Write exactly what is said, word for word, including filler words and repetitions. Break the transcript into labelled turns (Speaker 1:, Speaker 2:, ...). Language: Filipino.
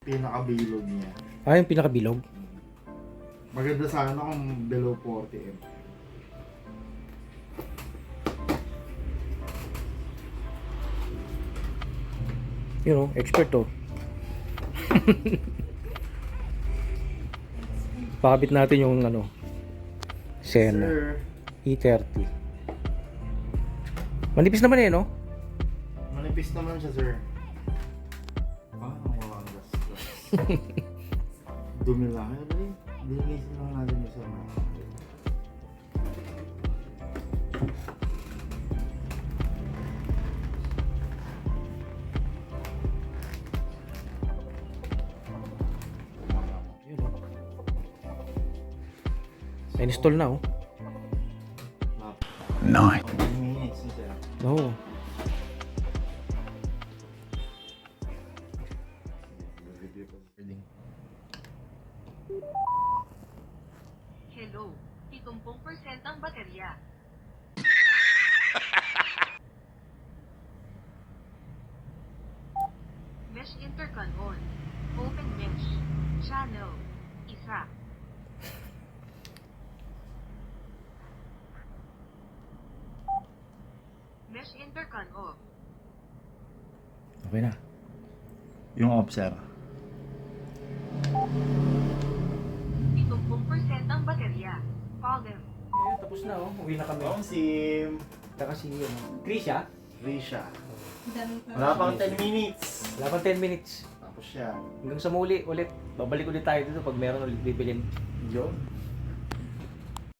Speaker 1: Pinakabilog niya.
Speaker 2: Ah, yung pinakabilog?
Speaker 1: Maganda sana kung below forty amperes.
Speaker 2: You know, expert to. Pakabit natin yung ano, Sena
Speaker 1: Sir,
Speaker 2: E thirty. Manipis naman eh, no?
Speaker 1: manipis naman siya, sir. Ah, walang gastos. Dumi lang. Ano ba yun? Dilinisin lang natin yung sir.
Speaker 2: Yun, oh. Na-install na, oh.
Speaker 1: Nice. minutes na sir.
Speaker 2: Oo.
Speaker 3: Hello, pitong percent ang baterya. Mesh intercon on. Open mesh. Channel. Isa. Mesh intercon off.
Speaker 2: Okay na.
Speaker 1: Yung off, sir.
Speaker 3: pitong percent ang baterya. Volume.
Speaker 2: Ayun, tapos na, oh. Uwi na kami.
Speaker 1: Om sim.
Speaker 2: Taka si, ano, Krisha.
Speaker 1: Risha.
Speaker 4: Dami pa.
Speaker 1: Wala pang ten minutes.
Speaker 2: Wala pang ten minutes.
Speaker 1: Tapos siya.
Speaker 2: Hanggang sa muli ulit. Babalik ulit tayo dito pag meron ulit bibilin.
Speaker 1: Yun.